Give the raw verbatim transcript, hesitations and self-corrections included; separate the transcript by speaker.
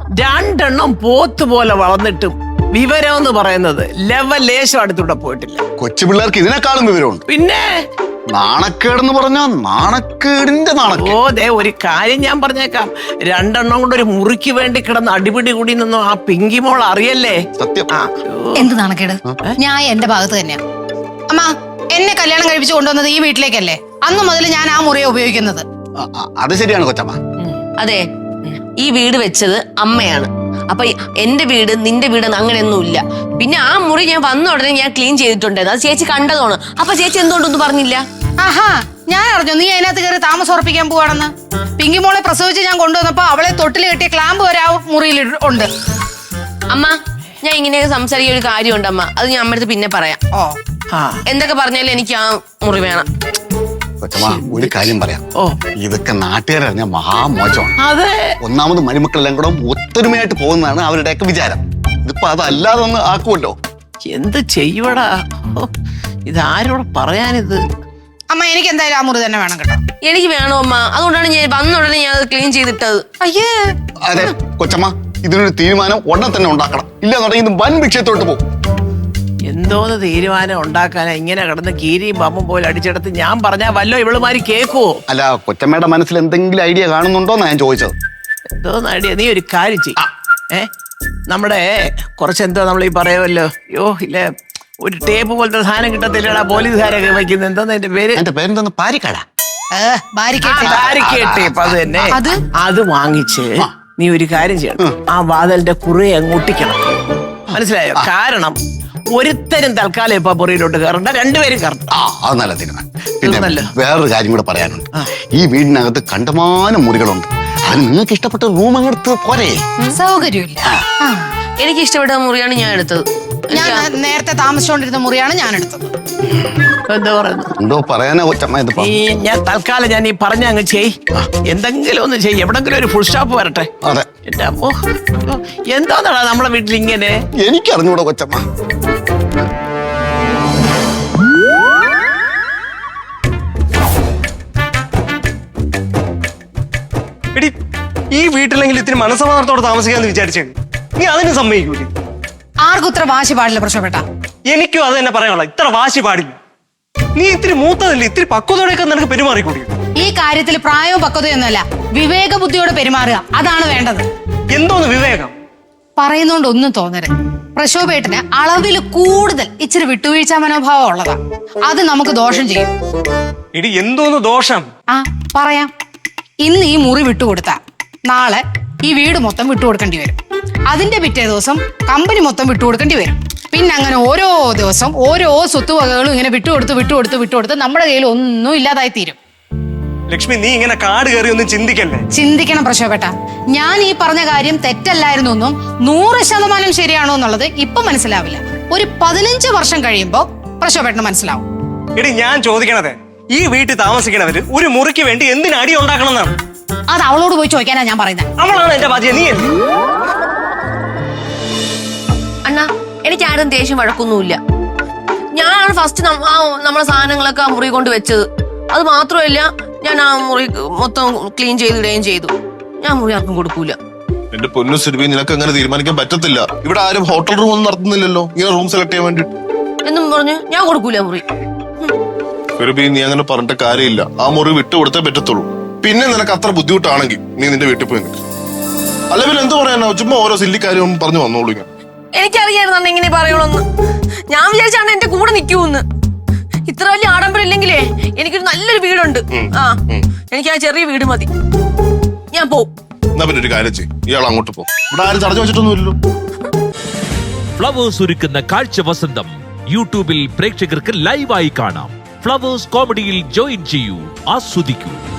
Speaker 1: രണ്ടെണ്ണം പോത്ത് പോലെ വളർന്നിട്ടും വിവരം എന്ന് പറയുന്നത് ലെവൽ ലേശം അടുത്തൂടെ പോയിട്ടില്ല.
Speaker 2: കൊച്ചു പിള്ളേർക്ക് ഇതിനേക്കാളും വിവരമുണ്ട്.
Speaker 1: പിന്നെ
Speaker 2: നാണക്കേടെന്ന് പറഞ്ഞാ നാണക്കേടിന്റെ നാണക്കേട്.
Speaker 1: ഓ ദേ ഒരു കാര്യം ഞാൻ പറഞ്ഞേക്കാം, രണ്ടെണ്ണം കൊണ്ട് ഒരു മുറിക്ക് വേണ്ടി കിടന്ന് അടിപിടി കൂടി നിന്നും ആ പിങ്കി മോൾ അറിയല്ലേ.
Speaker 2: സത്യം.
Speaker 3: എന്ത് നാണക്കേട്? ഞാൻ എന്റെ ഭാഗത്ത് തന്നെയാ. അമ്മ എന്നെ കല്യാണം കഴിപ്പിച്ച് കൊണ്ടുവന്നത് ഈ വീട്ടിലേക്കല്ലേ? അന്ന് മുതൽ ഞാൻ ആ മുറിയെ ഉപയോഗിക്കുന്നത്.
Speaker 2: അത് ശരിയാണ് കൊച്ചമ്മ.
Speaker 4: അതെ, ഈ വീട് വെച്ചത് അമ്മയാണ്. അപ്പൊ എന്റെ വീട് നിന്റെ വീട് അങ്ങനെയൊന്നും ഇല്ല. പിന്നെ ആ മുറി ഞാൻ വന്ന ഉടനെ ഞാൻ ക്ലീൻ ചെയ്തിട്ടുണ്ടായിരുന്നു. അത് ചേച്ചി കണ്ടതാണ്. അപ്പൊ ചേച്ചി എന്തുകൊണ്ടൊന്നും പറഞ്ഞില്ല?
Speaker 3: ആഹാ, ഞാൻ അറിഞ്ഞു നീ അതിനകത്ത് കയറി താമസം ഉറപ്പിക്കാൻ പോവാണെന്ന്. പിങ്കി മോളെ പ്രസവിച്ച് ഞാൻ കൊണ്ടുവന്നപ്പോ അവളെ തൊട്ടിൽ കെട്ടിയ ക്ലാമ്പ് വരെ ആ മുറിയിൽ ഉണ്ട്.
Speaker 4: അമ്മ, ഞാൻ ഇങ്ങനെയൊക്കെ സംസാരിക്കുന്ന ഒരു കാര്യമുണ്ട് അമ്മ, അത് ഞാൻ അമ്മടുത്ത് പിന്നെ പറയാം.
Speaker 3: ഓ,
Speaker 4: എന്തൊക്കെ പറഞ്ഞാലും എനിക്ക് ആ മുറി വേണം.
Speaker 2: കൊച്ചമ്മ ഒരു കാര്യം പറയാം.
Speaker 1: ഓ
Speaker 2: ഇതൊക്കെ നാട്ടുകാരറിഞ്ഞ മഹാമോശമാണ്.
Speaker 1: അതെ,
Speaker 2: ഒന്നാമത് മരുമക്കളെല്ലാം കൂടെ ഒത്തൊരുമയായിട്ട് പോകുന്നതാണ് അവരുടെയൊക്കെ വിചാരം. ഇതിപ്പോ അതല്ലാതെ ഒന്ന് ആക്കുമല്ലോ.
Speaker 1: എന്ത് ചെയ്യുവടാ, ഇതാരോട് പറയാനിത്?
Speaker 3: അമ്മ എനിക്ക് എന്തായാലും ആ മുറി തന്നെ വേണം കേട്ടോ.
Speaker 4: എനിക്ക് വേണോ അമ്മ, അതുകൊണ്ടാണ് ഞാൻ വന്ന ഉടനെ ഞാൻ അത് ക്ലീൻ ചെയ്തിട്ടത്.
Speaker 3: അയ്യേ
Speaker 2: അതെ കൊച്ചമ്മ, ഇതിനൊരു തീരുമാനം ഉടനെ തന്നെ ഉണ്ടാക്കണം. ഇല്ല തുടങ്ങി ഇത് വൻ വിഷയത്തോട്ട് പോകും.
Speaker 1: എന്തോന്ന് തീരുമാനം ഉണ്ടാക്കാനാ ഇങ്ങനെ കിടന്ന് കീരിയും പമ്പും പോലെ അടിച്ചെടുത്ത് ഞാൻ പറഞ്ഞാ വല്ലോ ഇവളുമാരി കേക്കുവോ?
Speaker 2: അല്ല, കൊച്ചമ്മയുടെ മനസ്സിൽ എന്തെങ്കിലും ഐഡിയ കാണുന്നുണ്ടോന്നാ ഞാൻ ചോദിച്ചത്.
Speaker 1: എന്തോന്ന് ഐഡിയ? നീ ഒരു കാര്യം ചെയ്യ. ഏ നമ്മുടെ കുറച്ച് എന്തോ നമ്മൾ ഈ പറയുമല്ലോ, യോ ഇല്ലേ ഒരു ടേപ്പ് പോലത്തെ സാധനം കിട്ടത്തില്ലടാ പോലീസുകാരൊക്കെ വയ്ക്കുന്നത്. എന്തോന്ന് അതിന്റെ പേര്?
Speaker 2: എന്റെ പേരെന്തോന്ന്? പാരിക്കട.
Speaker 1: Barricade tape. അത് തന്നെ. അത് വാങ്ങിച്ച് നീ ഒരു കാര്യം ചെയ്യണം, ആ വാതിലിന്റെ കുറെ അങ്ങ് ഒട്ടിക്കണം. മനസ്സിലായോ? കാരണം ഒരുത്തരും തൽക്കാലം ഇപ്പൊ പുറയിലോട്ട് കയറണ്ട, രണ്ടുപേരും കയറണ്ട.
Speaker 2: ആ അത് നല്ല തീരുമാനം. പിന്നെ വേറൊരു കാര്യം കൂടെ പറയാനുണ്ട്. ഈ വീടിനകത്ത് കണ്ടമാനം മുറികളുണ്ട്. അത് നിങ്ങൾക്ക് ഇഷ്ടപ്പെട്ട റൂം അങ്ങെടുത്ത് പോരെ?
Speaker 3: സൗകര്യമില്ല.
Speaker 4: എനിക്ക് ഇഷ്ടപ്പെട്ട മുറിയാണ് ഞാൻ എടുത്തത്.
Speaker 3: ഞാൻ നേരത്തെ താമസിച്ചുകൊണ്ടിരുന്ന മുറിയാണ് ഞാൻ എടുത്തത്.
Speaker 1: എന്താ പറയുന്നു?
Speaker 2: എന്തോ പറയാനാ കൊച്ചമ്മ ഇതിപ്പോ?
Speaker 1: ഈ ഞാൻ തൽക്കാലം ഞാൻ ഈ പറഞ്ഞ അങ്ങ് ചെയ്, എന്തെങ്കിലും ഒന്ന് ചെയ്യ്, എവിടെങ്കിലും ഒരു ഫുൾ സ്റ്റോപ്പ് വരട്ടെ.
Speaker 2: അതെ.
Speaker 1: എന്റെ അമ്മോ, എന്താന്നാടാ നമ്മളെ വീട്ടിൽ ഇങ്ങനെ?
Speaker 2: എനിക്കറിഞ്ഞൂടാ കൊച്ചമ്മ.
Speaker 5: എടി, ഈ വീട്ടിലെങ്കിൽ ഇത്തിരി മനസ്സമാധാനത്തോടെ താമസിക്കാന്ന് വിചാരിച്ചേ, നീ അതിന് സമ്മതിക്കൂലേ?
Speaker 3: ആർക്കും ഇത്ര വാശി പാടില്ല പ്രശ്നപ്പെട്ട.
Speaker 5: എനിക്കും അത് തന്നെ പറയാനുള്ള, ഇത്ര വാശി പാടില്ല. നീ ഇത്തിരി മൂത്തതല്ലേ, ഇത്തിരി പക്വതയോടെയൊക്കെ നിനക്ക് പെരുമാറിക്കൂടി.
Speaker 3: ഈ കാര്യത്തിൽ പ്രായവും പക്വതയൊന്നുമല്ല, വിവേക ബുദ്ധിയോടെ പെരുമാറുക, അതാണ് വേണ്ടത്.
Speaker 5: എന്തോന്ന് വിവേകം?
Speaker 3: പറയുന്നോണ്ട് ഒന്നും തോന്നരുത്. പ്രശോഭേട്ടന് അളവിൽ കൂടുതൽ ഇച്ചിരി വിട്ടുവീഴ്ച മനോഭാവം ഉള്ളതാ. അത് നമുക്ക് ദോഷം ചെയ്യും.
Speaker 5: എടി എന്തോന്ന് ദോഷം?
Speaker 3: ആ പറയാം. ഇന്ന് ഈ മുറി വിട്ടുകൊടുത്ത നാളെ ഈ വീട് മൊത്തം വിട്ടുകൊടുക്കേണ്ടി വരും. അതിന്റെ പിറ്റേ ദിവസം കമ്പനി മൊത്തം വിട്ടുകൊടുക്കേണ്ടി വരും. പിന്നെ അങ്ങനെ ഓരോ ദിവസം ഓരോ സ്വത്തുവകകളും ഇങ്ങനെ വിട്ടുകൊടുത്ത് വിട്ടുകൊടുത്ത് വിട്ടുകൊടുത്ത് നമ്മുടെ കയ്യിൽ ഒന്നും ഇല്ലാതായി തീരും.
Speaker 5: ലക്ഷ്മി, നീ ഇങ്ങനെ കാട് കയറി ഒന്നും ചിന്തിക്കല്ലേ.
Speaker 3: ചിന്തിക്കണം പ്രശോഭേട്ട. ഞാൻ ഈ പറഞ്ഞ കാര്യം തെറ്റല്ലായിരുന്നു എന്നും നൂറ് ശതമാനം ശരിയാണോ എന്നുള്ളത് ഇപ്പൊ മനസ്സിലാവില്ല. ഒരു പതിനഞ്ച് വർഷം കഴിയുമ്പോ പ്രശോഭേട്ടന് മനസ്സിലാവും.
Speaker 5: എടി ഞാൻ ചോദിക്കണത്, ഈ വീട്ടിൽ താമസിക്കണവര് ഒരു മുറിക്ക് വേണ്ടി എന്തിന് അടി ഉണ്ടാക്കണം എന്നാണ്.
Speaker 3: അത് അവളോട് പോയി ചോദിക്കാനാ ഞാൻ പറയുന്നത്.
Speaker 5: അവളാണ് എന്റെ ബാധ്യത, നീ അല്ലേ?
Speaker 4: അണ്ണാ, എനിക്ക് ആരും ദേഷ്യം വഴക്കൊന്നുമില്ല. ഞാനാണ് ഫസ്റ്റ് നമ്മളെ സാധനങ്ങളൊക്കെ ആ മുറി കൊണ്ട് വെച്ചത്. അത് മാത്രമല്ല, ഞാൻ ആ മുറി മൊത്തം ക്ലീൻ ചെയ്തിടുകയും ചെയ്തു. ഞാൻ മുറി ആർക്കും കൊടുക്കൂല.
Speaker 6: എന്റെ പൊന്നു സുരഭി, നിനക്ക് അങ്ങനെ തീരുമാനിക്കാൻ പറ്റത്തില്ല. ഇവിടെ ആരും ഹോട്ടൽ റൂം ഒന്നും നടത്തുന്നില്ലല്ലോ ഇങ്ങനെ റൂം സെലക്ട് ചെയ്യാൻ വേണ്ടി.
Speaker 4: എന്നും പറഞ്ഞ് ഞാൻ കൊടുക്കൂല മുറി.
Speaker 6: സുരഭി, നീ അങ്ങനെ പറഞ്ഞിട്ട് കാര്യമില്ല. ആ മുറി വിട്ടുകൊടുത്തേ പറ്റത്തുള്ളൂ. പിന്നെ നിനക്ക് അത്ര ബുദ്ധിമുട്ടാണെങ്കിൽ നീ നിന്റെ വീട്ടിൽ പോയി നിൽക്കും. അല്ല പിന്നെ എന്ത് പറയാനോ, ചുമ്മാ ഓരോ സില്ലി കാര്യം പറഞ്ഞു വന്നോളൂ. ഇങ്ങനെ
Speaker 4: എനിക്കറിയായിരുന്നു ഇങ്ങനെ പറയണമെന്ന്. ഞാൻ വിചാരിച്ചാണ് എന്റെ കൂടെ നിൽക്കൂന്ന്. ഇത്ര വലിയ ആഡംബരം ഇല്ലെങ്കിലേ എനിക്കൊരു നല്ലൊരു വീടുണ്ട്. ആ എനിക്ക് ആ ചെറിയ വീട് മതി. ഞാൻ പോവും.
Speaker 6: എന്നാ പിന്നെ ഒരു കാര്യം ചെയ്യും, ഇയാൾ അങ്ങോട്ട് പോകും. ഇവിടെ ആരും തടഞ്ഞു വെച്ചിട്ടൊന്നുമില്ലല്ലോ.
Speaker 7: ഫ്ലവേഴ്സ് ഒരുക്കുന്ന കാഴ്ച വസന്തം യൂട്യൂബിൽ പ്രേക്ഷകർക്ക് ലൈവായി കാണാം. ഫ്ലവേഴ്സ് കോമഡിയിൽ ജോയിൻ ചെയ്യൂ, ആസ്വദിക്കൂ.